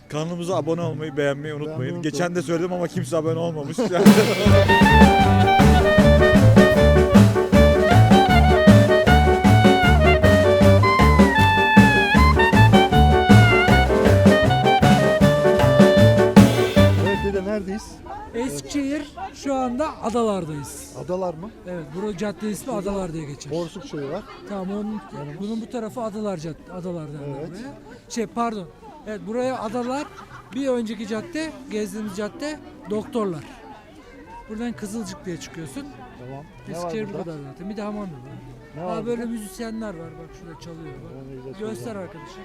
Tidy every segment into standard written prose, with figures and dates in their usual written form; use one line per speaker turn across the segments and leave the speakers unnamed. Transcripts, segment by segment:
Kanalımıza abone olmayı, beğenmeyi unutmayın. Geçen de söyledim ama kimse abone olmamış.
Evet dede, neredeyiz?
Eskişehir, şu anda adalardayız.
Adalar mı?
Evet, buranın cadde ismi Adalar diye geçer.
Borsuk şeyi var.
Tamam, bunun bu tarafı Adalar Cadde, Adalar derler
Evet.
buraya. Pardon. Evet, buraya Adalar, bir önceki cadde, gezdiğimiz cadde Doktorlar. Buradan Kızılcık diye çıkıyorsun.
Tamam. Ne var
Eskişehir bu
burada?
kadar zaten. Bir de hamam var.
Ne var
Böyle
burada?
müzisyenler var, bak şurada çalıyor. Bak.
Ne güzel
Göster
çalıyor.
arkadaşlar.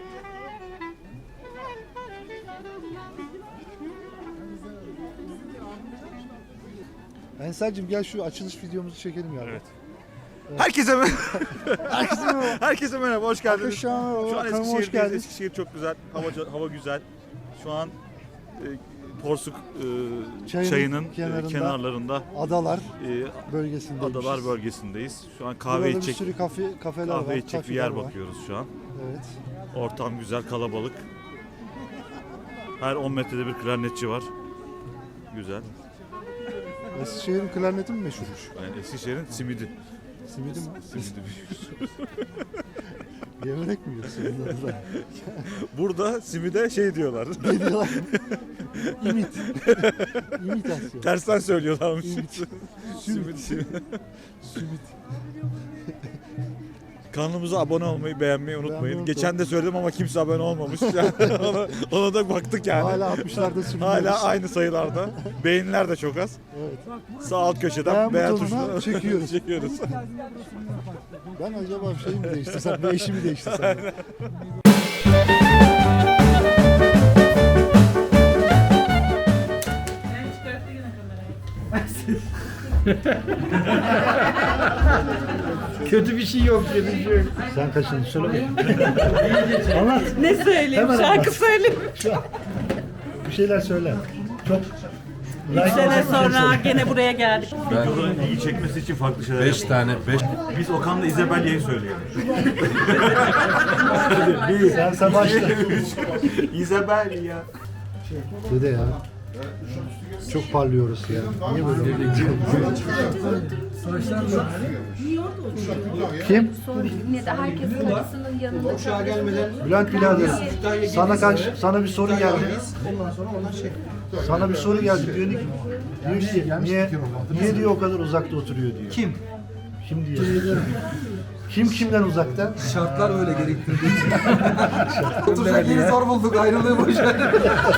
Ensar'cığım gel şu açılış videomuzu çekelim ya.
Evet. Herkese Herkese merhaba, hoş geldiniz. Şu an
Hoş
Eskişehir'deyiz.
geldiniz.
Eskişehir çok güzel, hava güzel. Şu an Porsuk çayının kenarlarında
Adalar bölgesindeyiz.
Adalar bölgesindeyiz. Şu an kahve
Burada bir
içecek,
sürü kafeler var.
kahve içecek bir
kafeler
yer
var.
bakıyoruz şu an.
Evet.
Ortam güzel, kalabalık. Her 10 metrede bir klarnetçi var. Güzel.
Eskişehir'in klarneti mi meşhurmuş?
Yani Eskişehir'in simidi.
Simidi mi?
Simidi.
Yemenek mi yiyorsun bunları?
Burada simide şey diyorlar.
Ne diyorlar? İmit. İmitasyon.
Tersten söylüyorlarmış.
Simit.
Simit.
Simit.
Kanalımıza abone olmayı, beğenmeyi unutmayın.
Beğenmeyi
Geçen de söyledim ama kimse abone olmamış. ona da baktık yani.
Hala 60'larda sürünüyoruz.
Hala aynı sayılarda. Beğeniler de çok az.
Evet.
Sağ alt köşeden
Beğen
beğen
butonuna
tuşuna
çekiyoruz.
çekiyoruz.
Ben acaba bir şey mi değiştirsem, bir eşimi değiştirsem?
Kötü bir şey yok dedi.
Sen kaçıncı söyle? Anlat.
Ne söyleyeyim?
Hemen
Şarkı
anlat.
söyleyeyim.
Bir şeyler söyle. Çok
3 sene sonra gene buraya geldik.
Videoların iyi çekmesi için farklı şeyler
5 tane 5
Biz Okan'la İzabelya'yı söyleyelim.
sen başla.
İzabelya.
Dede ya. Çok parlıyoruz ya. Niye böyle?
Saçlar da
Kim?
Yine de herkesin acısının yanında.
Bülent birader. Sana bir soru geldi. Sana bir soru geldi. Diyor ki niye diyor o kadar uzakta oturuyor diyor. Kim diyor. Kim kimden uzakta?
şartlar öyle gerektirdiği için. Oturacak yeri zor bulduk, ayrılığı boş ver.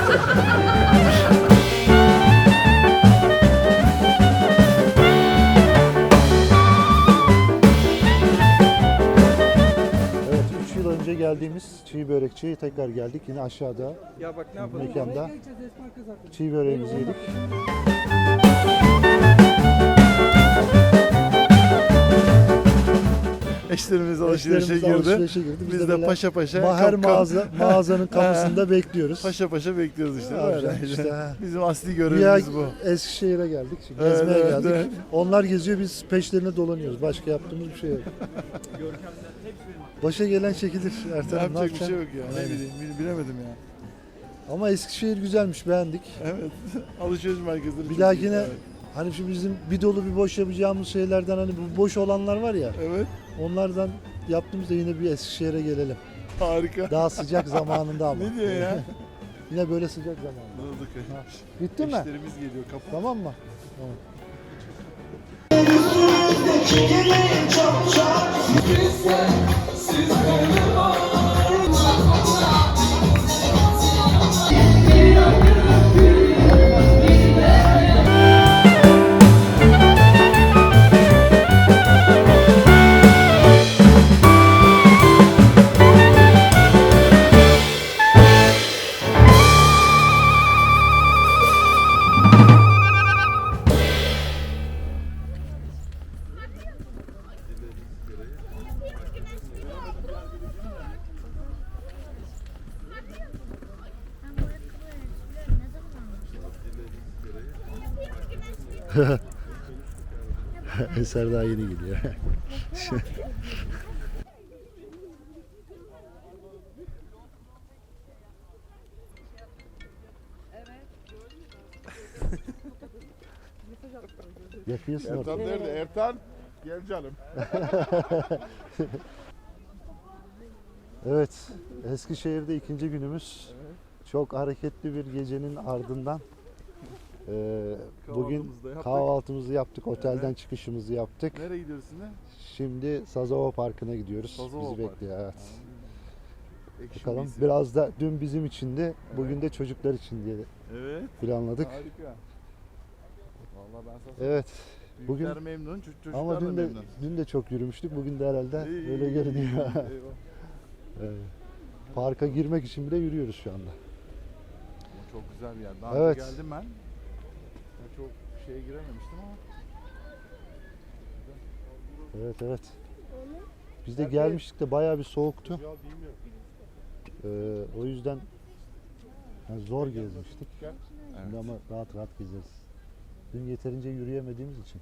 Evet, 3 yıl önce geldiğimiz çiğ börekçiye tekrar geldik. Yine aşağıda
Ya bak ne yapalım?
mekanda çiğ böreğimizi yedik.
Eşlerimiz alışverişe
Eşlerimiz
girdi.
alışverişe girdi.
Biz de
böyle
paşa paşa
her
kap-
mağazanın kapısında bekliyoruz.
paşa paşa bekliyoruz işte.
Ne
Böyle.
yapacağız işte, ha.
Bizim asli
Ya
görevimiz bu.
Eskişehir'e geldik. Şimdi
Evet,
gezmeye
evet,
geldik.
evet.
Onlar geziyor, biz peşlerine dolanıyoruz. Başka yaptığımız bir şey yok. Başa gelen çekilir Ertan.
Yapacak bir
yapacaksın?
şey yok ya. Ne
Aynen.
bileyim, bilemedim ya.
Ama Eskişehir güzelmiş, beğendik.
Evet. Alışveriş merkezleri.
Bir
çok
dahakine
iyi. Evet.
hani şu bizim bir dolu bir boş yapacağımız şeylerden, hani bu boş olanlar var ya,
Evet.
onlardan yaptığımızda yine bir Eskişehir'e gelelim.
Harika.
Daha sıcak zamanında ama.
Ne diyor ya?
Yine böyle sıcak zamanında.
Anladık.
Bitti mi?
Eşlerimiz geliyor kapı.
Tamam mı? Tamam. Eser daha yeni gidiyor. Yakıyorsun
Ertan
orada.
nerede? Ertan gel canım.
Evet, Eskişehir'de ikinci günümüz. Çok hareketli bir gecenin ardından bugün
Kahvaltımızı da yaptık.
kahvaltımızı yaptık, otelden çıkışımızı yaptık.
Nereye gidiyoruz şimdi?
Şimdi Sazova Parkı'na gidiyoruz.
Sazova
Bizi
Parkı.
bekliyor. Evet.
Ekşi
Bakalım.
miyisi?
Biraz da dün bizim içindi, bugün de çocuklar için diye
Evet.
planladık.
Harika. Vallahi ben sana söyleyeyim.
Evet.
Büyükler
Bugün
memnun, çocuklar
ama
da
dün de
memnun.
dün de çok yürümüştük. Bugün de herhalde
İyi,
öyle
iyi,
görünüyor.
Eyvah.
Evet. Parka girmek için bile yürüyoruz şu anda.
Ama çok güzel bir yer. Daha
Evet.
önce geldim ben. Ya çok şeye girememiştim ama.
Evet evet. Biz de gelmiştik de bayağı bir soğuktu. O yüzden yani zor gezmiştik. Şimdi ama rahat rahat gezeriz. Dün yeterince yürüyemediğimiz için.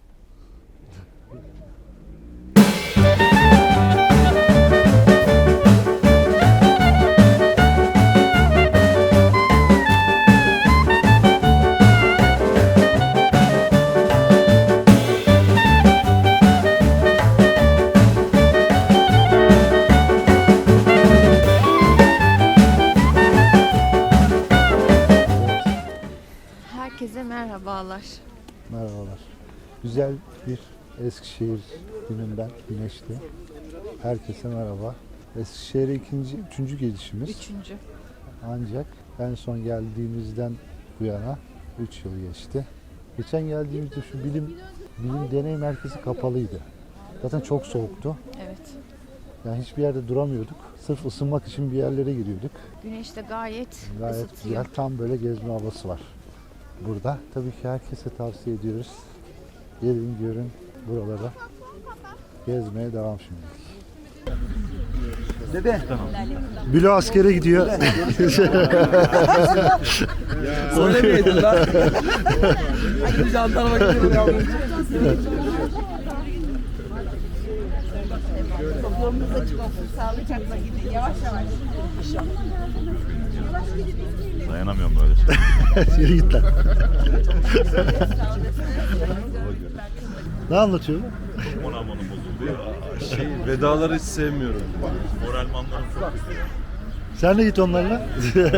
Herkese merhabalar.
Merhabalar. Güzel bir Eskişehir gününden güneşli. Herkese merhaba. Eskişehir'e üçüncü gelişimiz.
Üçüncü.
Ancak en son geldiğimizden bu yana 3 yıl geçti. Geçen geldiğimizde şu bilim deney merkezi kapalıydı. Zaten çok soğuktu.
Evet.
Yani hiçbir yerde duramıyorduk. Sırf ısınmak için bir yerlere giriyorduk.
Güneş de gayet
Gayet
ısıtıyor.
güzel. Tam böyle gezme havası var burada. Tabii ki herkese tavsiye ediyoruz. Gelin görün buralara. Gezmeye devam şimdi.
Dede.
Bilo askere gidiyor.
Söylemeydin lan. Ay jandarma gidiyor yavrum.
Yolunuz açık olsun. Sağlıcakla gidin. Yavaş yavaş.
Dayanamıyorum böyle şey.
Yürü git lan. Ne anlatıyor bu?
Moramonum bozuldu ya. Vedaları hiç sevmiyorum. Moralmanlarım çok kötü.
Sen de git onlarla.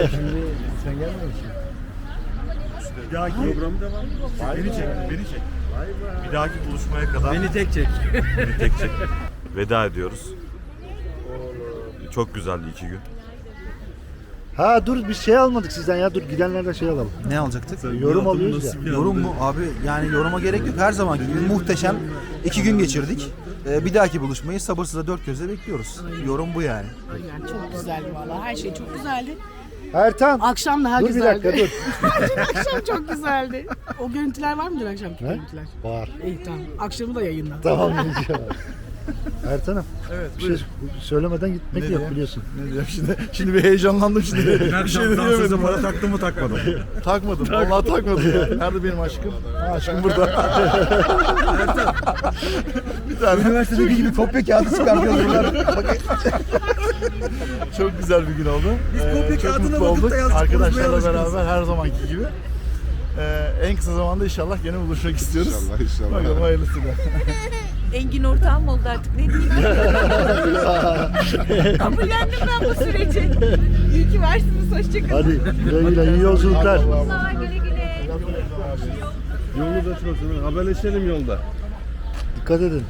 Bir dahaki programı devam. Beni çek, beni çek. Bir dahaki buluşmaya kadar
Beni tek çek.
beni tek çek. Veda ediyoruz. Çok güzeldi 2 gün.
Ha dur bir şey almadık sizden ya. Dur gidenlerden şey alalım.
Ne alacaktık?
Yorum alıyoruz ya.
Yorum mu? Abi yani yoruma gerek yok. Her zamanki gibi muhteşem 2 gün geçirdik. Bir dahaki buluşmayı sabırsızla dört gözle bekliyoruz. Yorum bu yani.
Yani çok güzeldi vallahi. Her şey çok güzeldi.
Ertan.
Akşam daha
Dur bir
güzeldi.
dakika dur.
Akşam çok güzeldi. O görüntüler var mıdır akşamki
Ne?
görüntüler?
Var.
İyi tamam. Akşamı da yayınla.
Tamam diyeceğim. Ertan'ım.
Evet,
Bir şey söylemeden gitmek
Ne
yok
diye?
biliyorsun.
Ne diyeyim şimdi? Şimdi bir heyecanlandım şimdi. Bir şey de diyemedim.
para taktım mı takmadım.
Takmadım. Vallahi takmadım ya. Nerede benim aşkım? Ha, aşkım burada. Bir tane.
Üniversitedeki gibi kopya kağıdı çıkartıyoruz bunlar.
Çok güzel bir gün oldu.
Biz kopya
Çok
kağıdına
mutlu
bakıp
olduk.
da yazdık,
Arkadaşlarla
konuşmaya
beraber her zamanki gibi. En kısa zamanda inşallah gene buluşmak istiyoruz. İnşallah, inşallah. Bakalım hayırlısıyla.
Engin ortağım oldu artık. Ne diyeyim? Kabullendim ben bu süreci. İyi ki varsınız. Hoşçakalın.
Hadi güle güle iyi yolculuklar.
Sağ güle güle.
Yolunuz açık olsun. Haberleşelim yolda.
Dikkat edin.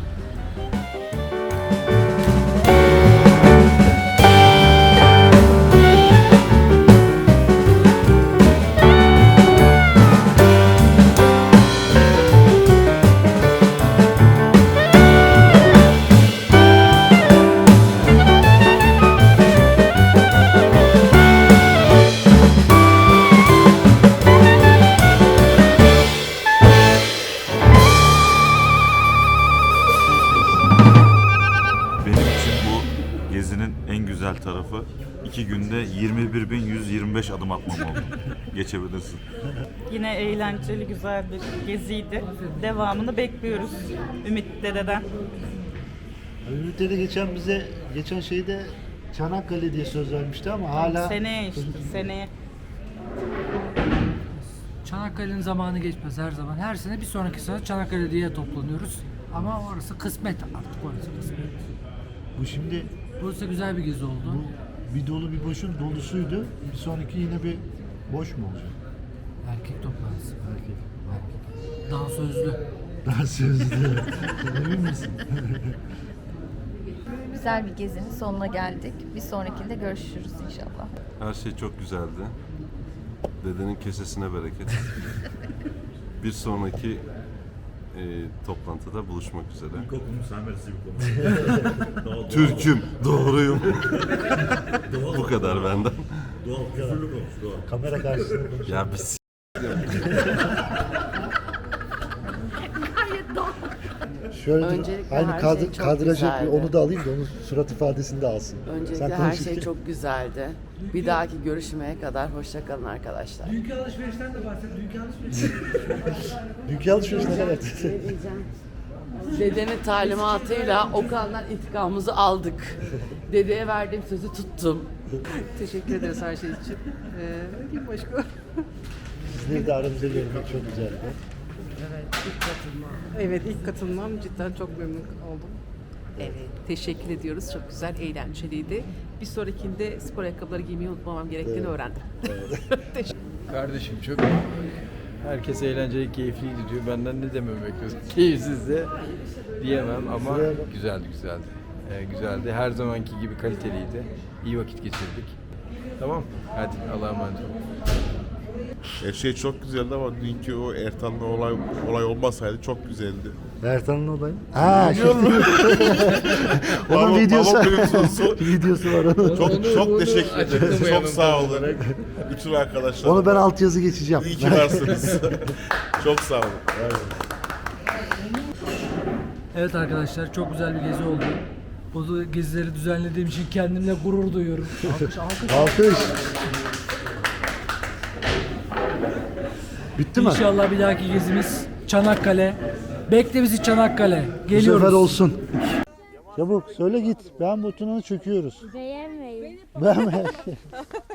Benim için bu gezinin en güzel tarafı 2 günde 21.125 adım atmam oldu. Geçebilirsin.
Yine eğlenceli, güzel bir geziydi. Devamını bekliyoruz Ümit Dede'den.
Ümit Dede geçen şeyde Çanakkale diye söz vermişti ama hala
Seneye işte, seneye.
Çanakkale'nin zamanı geçmez her zaman. Her sene bir sonraki sene Çanakkale diye toplanıyoruz. Ama orası kısmet artık, orası kısmet.
Bu şimdi
Burası güzel bir gezi oldu.
bir dolu bir boşun dolusuydu. Bir sonraki yine bir boş mu olacak?
Erkek toplantısı.
Erkek.
Daha sözlü.
Daha sözlü. Emin misin?
Güzel bir gezinin sonuna geldik. Bir sonrakinde görüşürüz inşallah.
Her şey çok güzeldi. Dedenin kesesine bereket. Bir sonraki toplantıda buluşmak üzere.
İlkokulun Samerisi bir konu.
Türk'üm, doğruyum. Bu kadar benden.
Doğal, küfürlü konuş, doğal.
Kamera karşısında konuşuyor.
Ya biz
Şöyle
Öncelikle
aynı
her şey çok
kadrajı
güzeldi.
onu da alayım da onun surat ifadesini de alsın.
Öncelikle
Sen
her
konuşurken.
şey çok güzeldi. Bir dahaki görüşmeye kadar hoşça kalın arkadaşlar.
Dünkü alışverişten de bahset. Dünkü alışveriş.
Dünkü alışveriş ne kadar?
Dedenin talimatıyla Okan'dan intikamımızı aldık. Dedeye verdiğim sözü tuttum.
Teşekkür ederiz her şey için. Kim başka?
Sizleri de aramızda görmek çok güzeldi.
Evet, ilk katılmam cidden çok memnun oldum. Evet, teşekkür ediyoruz. Çok güzel, eğlenceliydi. Bir sonrakinde spor ayakkabıları giymeyi unutmamam gerektiğini öğrendim.
Kardeşim çok herkes eğlenceli, keyifliydi diyor. Benden ne dememi bekliyorsun? Keyifsiz de diyemem ama güzeldi. Güzeldi. Her zamanki gibi kaliteliydi. İyi vakit geçirdik. Tamam. Hadi Allah'a emanet olun.
her şey çok güzeldi ama dünkü o Ertan'la olay olmasaydı çok güzeldi.
Ertan'ın olayı. Ha, onun videosu. Videosu var onun.
Çok teşekkür ederim. Çok sağ olun. Bütün arkadaşlar.
Onu ben altyazı geçeceğim.
İyi ki varsınız. Çok sağ olun.
Evet arkadaşlar, çok güzel bir gezi oldu. Bu gezileri düzenlediğim için kendimle gurur duyuyorum. Alkış, alkış.
Alkış. Bitti mi?
İnşallah bir dahaki gezimiz Çanakkale. Bekle bizi Çanakkale.
Bu
Geliyoruz.
sefer olsun. Çabuk söyle git. Ben butonuna çöküyoruz.
Beğenmeyin.
Beğenme.